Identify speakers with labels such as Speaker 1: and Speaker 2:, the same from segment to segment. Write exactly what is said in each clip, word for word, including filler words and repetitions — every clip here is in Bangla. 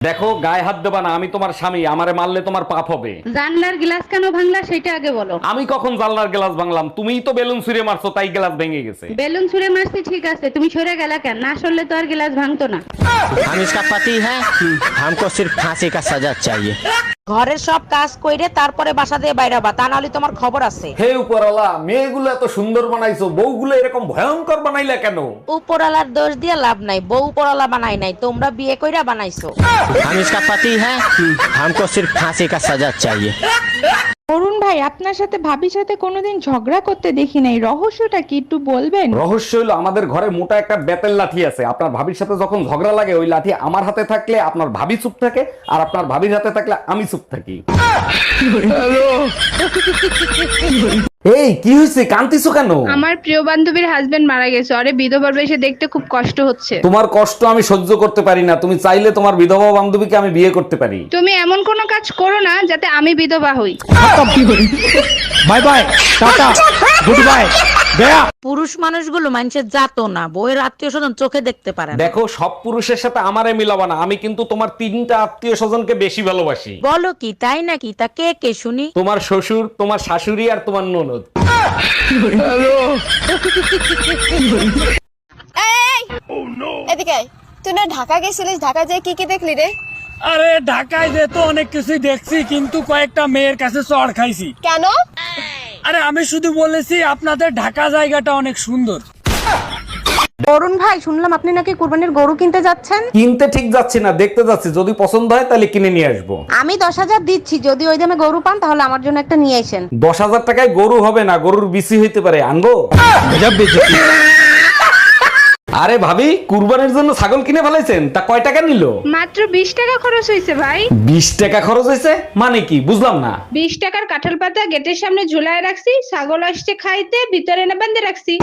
Speaker 1: দেখো, গায়ে হাত দেবা না, আমি তোমার স্বামী, আমারে মারলে তোমার পাপ হবে।
Speaker 2: জানলার গ্লাস কেন ভাঙলা সেটা আগে বলো।
Speaker 1: আমি কখন জানলার গ্লাস ভাঙলাম? তুমিই তো বেলুন ছুঁড়ে মারছো, তাই গ্লাস ভেঙে গেছে।
Speaker 2: বেলুন ছুঁড়ে মারছি ঠিক আছে, তুমি সরে গেলা কেন? না সরলে তো আর গ্লাস ভাঙতো না।
Speaker 3: हम इसका पति है हमको सिर्फ फांसी का सजा चाहिए।
Speaker 4: ঘরের সব কাজ কইরে তারপরে বাসা দিয়ে বাইরাবা, তা নাহলে তোমার খবর আছে।
Speaker 1: হে উপরওয়ালা, মেয়েগুলো এত সুন্দর বানাইছো, বউগুলো এরকম ভয়ঙ্কর বানাইলা কেন?
Speaker 4: উপরালার দোষ দিয়ে লাভ নাই, বউ উপরালা বানাই নাই, তোমরা বিয়ে কইরা বানাইছো।
Speaker 3: हम इसका पति है हमको सिर्फ फांसी का सजा चाहिए।
Speaker 5: অরুণ ভাই, আপনার সাথে ভাবির সাথে কোনোদিন ঝগড়া করতে দেখি নাই, রহস্যটা কি একটু বলবেন?
Speaker 1: রহস্য হলো, আমাদের ঘরে মোটা একটা বেতের লাঠি আছে। আপনার ভাবির সাথে যখন ঝগড়া লাগে, ওই লাঠি আমার হাতে থাকলে আপনার ভাবি চুপ থাকে, আর আপনার ভাবির হাতে থাকলে আমি চুপ থাকি। এই কি হয়েছে, কান্তিছো কেন?
Speaker 5: আমার প্রিয় বান্ধবীর হাজবেন্ড মারা গেছে, আরে বিধবা বেশে দেখতে খুব কষ্ট হচ্ছে।
Speaker 1: তোমার কষ্ট আমি সহ্য করতে পারি না, তুমি চাইলে তোমার বিধবা বান্ধবীকে আমি বিয়ে করতে পারি।
Speaker 5: তুমি এমন কোনো কাজ করো না যাতে আমি বিধবা হই।
Speaker 3: Bye bye tata goodbye गया।
Speaker 4: পুরুষ মানুষগুলো মানুষের জাতো না, বউয়ের আত্মীয় স্বজন চোখে দেখতে পারে না।
Speaker 1: দেখো, সব পুরুষের সাথে আমারে মিলাবা না, আমি কিন্তু তোমার তিনটা আত্মীয় স্বজনকে বেশি ভালোবাসি।
Speaker 4: বলো কি, তাই নাকি? তা কে কে শুনি।
Speaker 1: তোমার শ্বশুর, তোমার শাশুড়ি আর তোমার ননদ।
Speaker 6: এদিকে আয়। তুই না ঢাকা গেছিলিস, ঢাকা যেয়ে কি কি দেখলি রে?
Speaker 7: আরে ঢাকায় যে তো অনেক কিছুই দেখছি, কিন্তু কয়েকটা মেয়ের কাছে চড় খাইছি।
Speaker 6: কেন?
Speaker 7: আরে আমি শুধু বলেছি আপনাদের ঢাকা জায়গাটা অনেক সুন্দর।
Speaker 2: অরুণ ভাই, শুনলাম আপনি নাকি কুরবানির গরু কিনতে যাচ্ছেন।
Speaker 1: কিনতে ঠিক যাচ্ছি না, দেখতে যাচ্ছি, যদি পছন্দ হয় তাহলে কিনে নিয়ে আসবো।
Speaker 2: আমি দশ হাজার দিচ্ছি, যদি ওই দামে গরু পান তাহলে আমার জন্য একটা নিয়ে আসেন।
Speaker 1: দশ হাজার টাকায় গরু হবে না, গরুর বিসি হইতে পারে, আনবো। আরে ভাবি, কুরবানির জন্য ছাগল কিনে ফেলাইছেন, তা কয় টাকা নিল?
Speaker 5: মাত্র বিশ টাকা খরচ হয়েছে ভাই।
Speaker 1: বিশ টাকা খরচ হয়েছে মানে কি, বুঝলাম না।
Speaker 5: বিশ টাকার কাঁঠাল পাতা গেটের সামনে ঝুলায় রাখছি, ছাগল আসছে খাইতে, ভিতরে এনে বান্ধে রাখছি।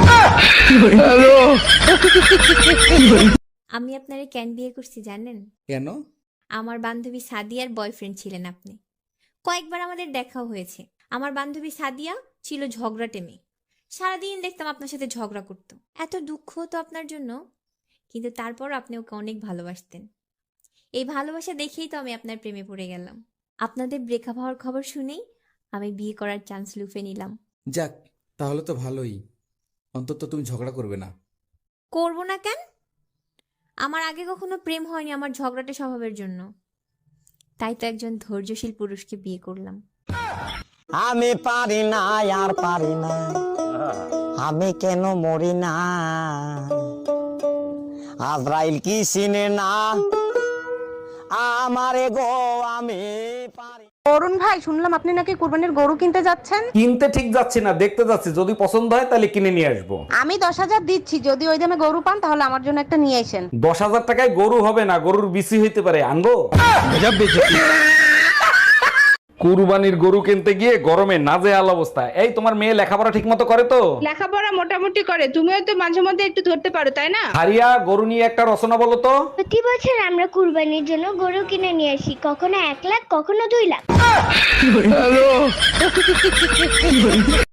Speaker 8: আমি আপনারে কেন বিয়ে করছি জানেন?
Speaker 9: কেন?
Speaker 8: আমার বান্ধবী সাদিয়ার বয়ফ্রেন্ড ছিলেন আপনি। কয়েকবার আমাদের দেখাও হয়েছে। আমার বান্ধবী সাদিয়া ছিল ঝগড়াটে মেয়ে, সারাদিন দেখতাম আপনার সাথে ঝগড়া করতো, এত দুঃখ হতো আপনার জন্য, কিন্তু তারপর আপনি ওকে অনেক ভালোবাসতেন। এই ভালোবাসা দেখেই তো আমি আপনার প্রেমে পড়ে গেলাম। আপনাদের ব্রেকআপ হওয়ার খবর শুনেই আমি বিয়ে করার চান্স লুফে নিলাম।
Speaker 9: যাক, তাহলে তো ভালোই, অন্তত তুমি ঝগড়া করবে না।
Speaker 8: করবো না কেন? আমার আগে কখনো প্রেম হয়নি আমার ঝগড়াটে স্বভাবের জন্য, তাই তো একজন ধৈর্যশীল পুরুষকে বিয়ে করলাম।
Speaker 3: আমি পারি না আর পারি না, আমি কেন মরি না, আজরাইল কি চিনে না আমারে গো, আমি পারি।
Speaker 2: অরুণ ভাই, শুনলাম আপনি নাকি কুরবানির গরু কিনতে যাচ্ছেন।
Speaker 1: কিনতে ঠিক যাচ্ছি না, দেখতে যাচ্ছি, যদি পছন্দ হয় তাহলে কিনে নিয়ে আসবো।
Speaker 2: আমি দশ হাজার দিচ্ছি, যদি ওই দামে গরু পান তাহলে আমার জন্য একটা নিয়ে আসেন।
Speaker 1: দশ হাজার টাকায় গরু হবে না, গরুর বিসি হইতে পারে, আনবো। কুরবানির গরু কিনতে গিয়ে গরমে নাজেহাল অবস্থা। এই, তোমার মেয়ে লেখাপড়া ঠিক মতো করে তো?
Speaker 5: লেখাপড়া মোটামুটি করে, তুমিও তো মাঝে মধ্যে একটু ধরতে পারো, তাই না?
Speaker 1: হারিয়া, গরু নিয়ে একটা রচনা বলো তো।
Speaker 6: প্রতি বছর আমরা কুরবানির জন্য গরু কিনে নিয়ে আসি, কখনো এক লাখ কখনো দুই লাখ।